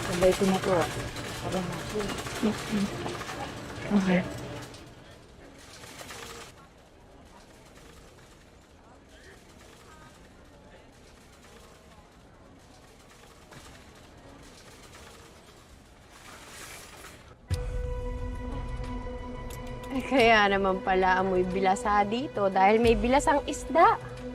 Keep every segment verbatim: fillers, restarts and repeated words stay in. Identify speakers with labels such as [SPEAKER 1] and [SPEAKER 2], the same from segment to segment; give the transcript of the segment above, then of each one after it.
[SPEAKER 1] Sabay ko na po. Para natin.
[SPEAKER 2] Okay.
[SPEAKER 3] Ay, kaya naman pala amoy bilasa dito dahil may bilasang isda.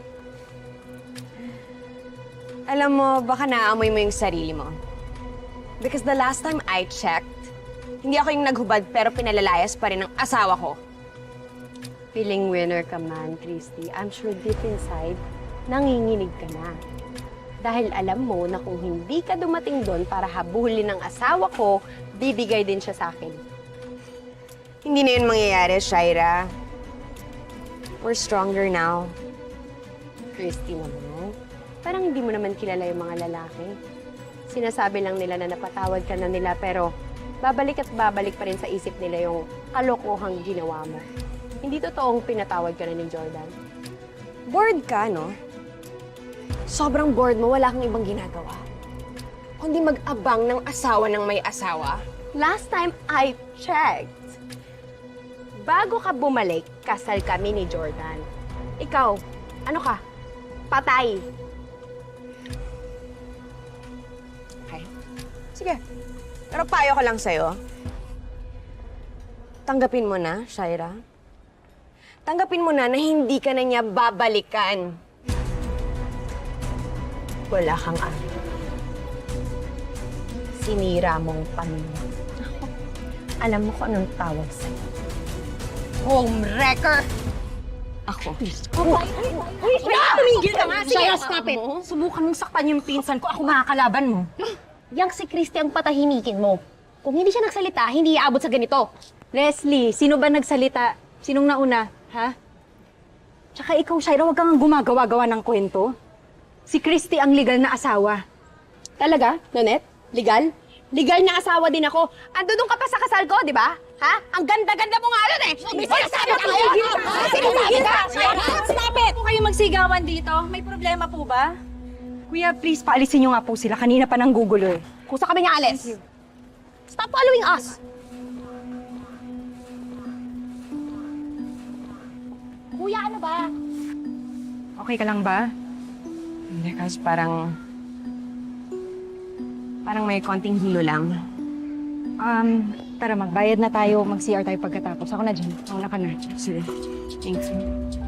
[SPEAKER 3] Alam mo, baka naamoy mo yung sarili mo. Because the last time I checked, hindi ako yung naghubad pero pinalalayas pa rin ng asawa ko. Feeling winner ka man, Christy. I'm sure deep inside, nanginginig ka na. Dahil alam mo na kung hindi ka dumating doon para habulin ng asawa ko, bibigay din siya sa akin. Hindi na yun mangyayari, Shaira. We're stronger now. Christy naman, parang hindi mo naman kilala yung mga lalaki. Sinasabi lang nila na napatawad ka na nila pero babalik at babalik pa rin sa isip nila yung kalokohang ginawa mo. Hindi totoong pinatawad ka na ni Jordan. Bored ka, no? Sobrang bored mo, wala kang ibang ginagawa. Kundi mag-abang ng asawa ng may asawa. Last time I checked, bago ka bumalik, kasal kami ni Jordan. Ikaw, ano ka? Patay. Okay. Sige. Pero payo ko lang sa'yo. Tanggapin mo na, Shaira. Tanggapin mo na na hindi ka na niya babalikan. Wala kang ari. Sinira mong pamilya. Alam mo kung anong tawag sa'yo. Homewrecker! Ako.
[SPEAKER 2] Uy! Uy!
[SPEAKER 3] Tumigil ka nga! Sige!
[SPEAKER 2] Shaya, stop it! Subukan mong saktan yung pinsan ko. Ako makakalaban mo.
[SPEAKER 1] Yang si Christy ang patahimikin mo. Kung hindi siya nagsalita, hindi iabot sa ganito.
[SPEAKER 2] Leslie, sino ba nagsalita? Sinong nauna? Ha? Tsaka ikaw, Shaira, huwag kang gumagawa-gawa ng kwento. Si Christy ang legal na asawa.
[SPEAKER 3] Talaga, Nonet? Legal? Legal na asawa din ako. Andun ka pa sa kasal ko, di ba? Ha? Ang ganda-ganda mo nga nun eh! May sinasabi ka ngayon! Sinasabi ka!
[SPEAKER 2] Stop it! Po kayo magsigawan dito? May problema po ba? Kuya, please, paalisin niyo nga po sila. Kanina pa nang gugulo eh.
[SPEAKER 3] Kusa kami nga, Alice. Stop following us!
[SPEAKER 1] Kuya, ano ba?
[SPEAKER 2] Okay ka lang ba?
[SPEAKER 3] Hindi, kasi parang... Parang may konting hilo lang.
[SPEAKER 2] Um, tara, magbayad na tayo. Mag-C R tayo pagkatapos. Ako na dyan. Mauna ka na.
[SPEAKER 3] Sige. Thanks.